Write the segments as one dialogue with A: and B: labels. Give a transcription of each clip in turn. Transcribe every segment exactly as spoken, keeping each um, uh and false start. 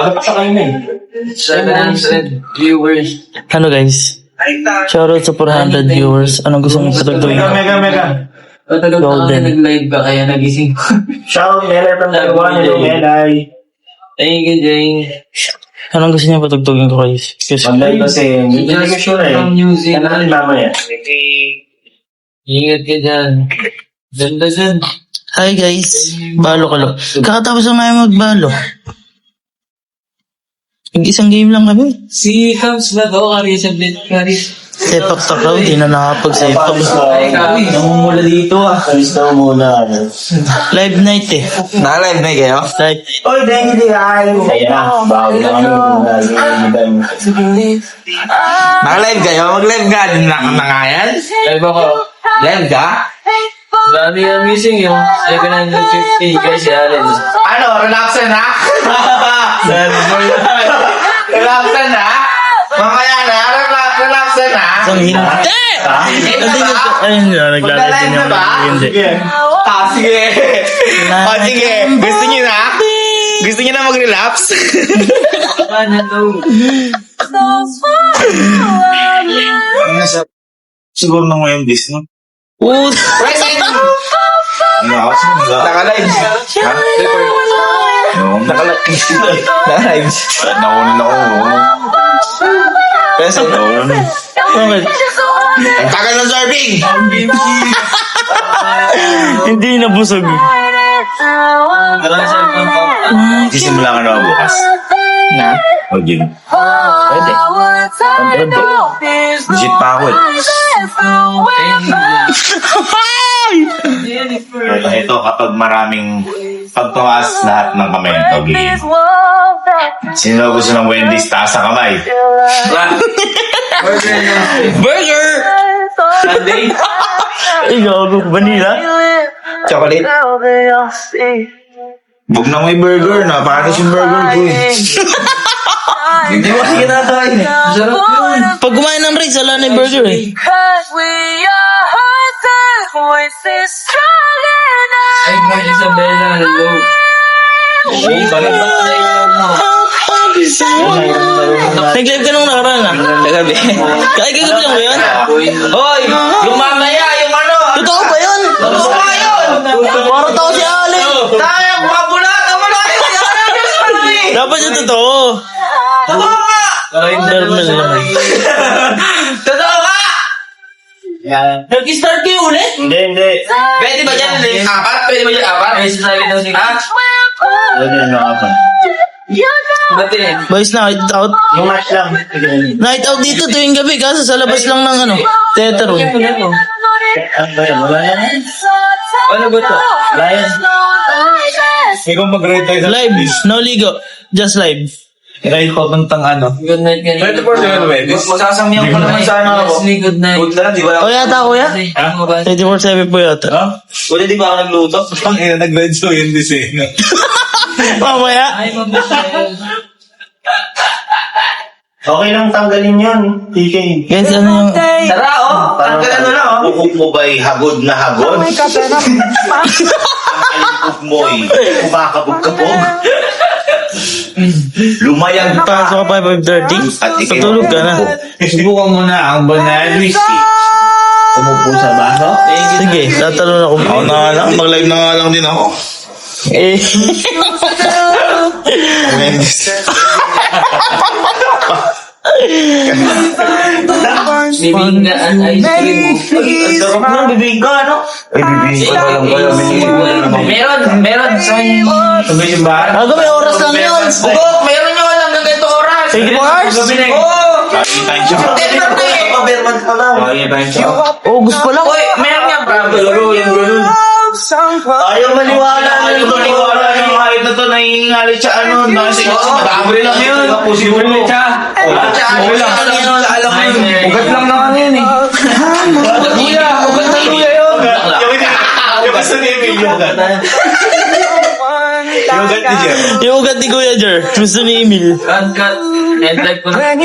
A: seven hundred viewers.
B: Ano guys? Shoutout sa four hundred viewers. Anong gusto mong patagdawin?
C: Mega, mega, mega.
A: Patulog ako na nag-live ka kaya nagising ko.
C: Shout, Melay from Taiwan. Hello, Melay.
A: Thank you, Jane.
B: Anong gusto niya patagdawin ko guys? Kasi
C: Online kasi, hindi ko sure eh.
A: From New
C: Ano
A: Zealand.
C: rin mamaya?
A: Ingat ka dyan. Ganda dyan.
B: hi guys. Balo ka lang. Kakatapos lang namin magbalo. Mag-isang game lang kami.
A: Si Cubs ba to? Kari sa bit. Kari.
B: Sepak takaw. Di na nakapag-sepak.
A: Ay, Kari.
C: Namumula dito ah. Alis na muna.
B: Live night eh.
D: Naka-live na kayo?
B: Live.
C: Oy, dahil hindi ay. Kaya na, bago na kami muna.
D: Naka-live kayo? Mag-live ka din na, na nga yan?
A: Live ako.
D: Live ka?
A: Dami ang missing yung seven hundred fifty kay si Allen.
D: Ano? Relaxan na? Relaxan na? Mamaya na? Relax- Relaxan na?
B: Isang hindi.
D: Hindi na ba?
B: Ayun na. Naglalagay
D: Magla-live
B: niya.
D: na ba?
B: Hindi.
D: Ah, sige. O, sige. Gusto niyo na? Gusto niyo na mag-relapse?
A: Ano to?
E: Siguro na ngayon this, no?
B: Oh,
D: Present!
E: Ano ako?
D: Naka-live. Ha?
E: No,
D: Naka-live. Naka-live.
E: naunan ako.
D: Present.
E: Naunan.
B: bakit?
D: Ang tagal ng serving!
B: Hindi nabusog.
A: Maraming cellphone ko.
E: Sisimula ka na bukas.
D: Na?
E: O, gym.
D: Pwede.
E: Visit pa ako eh. Ito, ito, kapag maraming pagtumas lahat ng kamay ito, gigil. Sino gusto ng Wendy's taas sa kamay?
A: Burger na.
D: Burger!
A: Sunday.
B: Ay, gago. Vanilla?
D: Chocolate?
E: Huwag na may burger na, paano yung burger ko eh.
D: Hindi mo kasi kinakain eh.
A: Sarap yun.
B: Pag kumain ng rice, wala na yung burger eh.
A: Ay, Ma'am Isabella, hello.
E: Hey, balik ba?
B: Nag-live ka nung nakaraan ah.
D: Nagabi.
B: Kaya kagabi lang ba yun?
D: Hoy! Yung mamaya, yung ano!
B: Totoo ba yun?
D: Totoo ba yun?
B: Parang tao si Allen.
D: Tayo, mabulat! Ang wala yun!
B: Dapat yung totoo.
D: Totoo ka!
B: Normal naman.
D: Totoo ka!
B: Nag-start kayo ulit?
C: Hindi, hindi.
D: Pwede ba dyan? Apat? Pwede ba dyan? Apat?
A: Ay, sasabi daw si
D: Ha?
C: Pwede na ako.
A: Ba't eh?
B: Boys, night out.
C: Yung match lang.
B: Night out dito tuwing gabi kaso sa labas lang ng ano, theater room.
A: Ano to?
C: Ano ba yun? Wala na.
A: Ano ba to?
C: Lion.
E: Ikaw mag-rate tayo sa
B: Live, no ligo, just live.
E: rate ko tang ano.
A: Good night kanina.
D: twenty-four seven Wendy's. Magsasamiyan pa naman sana ako.
A: Leslie, good night.
D: Good na lang, di ba?
B: O yata kuya?
A: Ano ba?
B: twenty-four seven po yata.
E: Ha?
D: Wala di ba ako nagluto?
E: Ang ina, nag-red so yun this eh. no?
B: Mamaya.
A: Ay, Ma'am Michelle.
C: Okay lang tanggalin yun. T K.
B: Guys, ano yung...
D: Tara, oh! Tanggal ano na, oh!
E: Bukog mo ba'y hagod na hagod? Ang alibog mo'y kumakabog-kabog. Lumayag pa.
B: Pasok ka pa five thirty?
E: At ikaw-
B: Patulog ka na.
E: Subukan mo na ang banana whiskey. Umupo sa baso?
B: Sige, tatalon ako.
E: Ako na nga lang, mag-live na nga lang din ako.
B: Eh.
E: Wendy's.
A: Bibing na ang ice cream.
D: Ang sarap na, bibig ka, ano?
E: Ay, bibigyan ko na lang kayo.
D: Meron, meron. Sa
E: Sabay yung bahay.
B: Aga, may oras lang yun.
D: Bugok, meron nyo lang hanggang ganito oras.
B: twenty-four hours?
D: Oo!
E: Kaya tayo siya.
D: ten thirty.
C: Paberman ka lang.
E: Kaya tayo siya.
B: August pa lang.
D: Uy, meron nga, bro. Laro, yung ganun.
C: Ayaw maniwala.
E: Ayaw maniwala yung kahit na to nangingalit siya ano. Nasa
D: Madami lang yun.
E: Posible siya.
D: Okay lang. Alam mo yun.
E: Ugat lang na ano yun eh.
D: Kuya, ugat na kuya yun.
E: Yung gusto ni Emil yung ugat. Yung ugat ni Jeff.
B: Yung ugat ni Kuya Jer. Gusto ni Emil.
A: Cut, cut. End life ko na.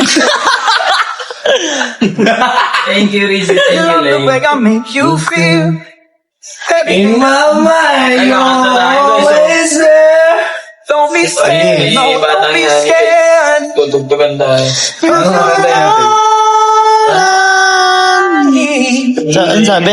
A: Thank you, Rizzy. Thank you, Lay.
D: In my mind,
A: Ay, kakanta tayo, guys.
D: always there. Don't
A: Ay, batang yan. Tutugtugan tayo.
D: Ano sa kanta natin?
B: Sa, ano sabi?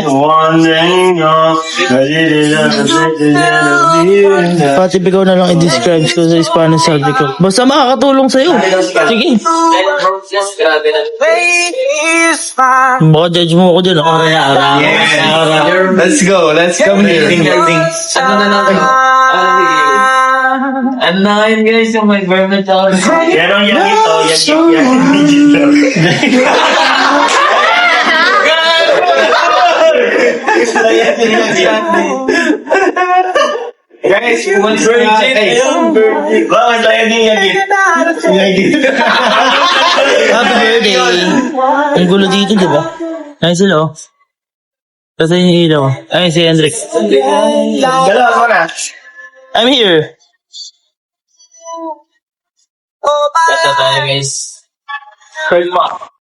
B: Pati ikaw na lang i-describe ko sa Spanish sabi ko. Basta makakatulong sa'yo. Sige.
A: Grabe na.
B: Baka judge mo ako dyan. Oh.
D: Yeah. Let's go. Let's come here.
A: Ano na natin? Ano bigay? Ano na ngayon guys, yung may verb na tsaka.
C: Yan ang yan ito. Yan yan yan.
D: Guys, umalis na nga. Hey,
C: Bakit tayo din yan ito?
B: Happy birthday. Ang gulo dito, di ba? Ay, sila oh. Kasi yung ilaw. Ay, si Hendrik.
C: Dalawa mo na.
B: I'm here.
A: Kata tayo guys.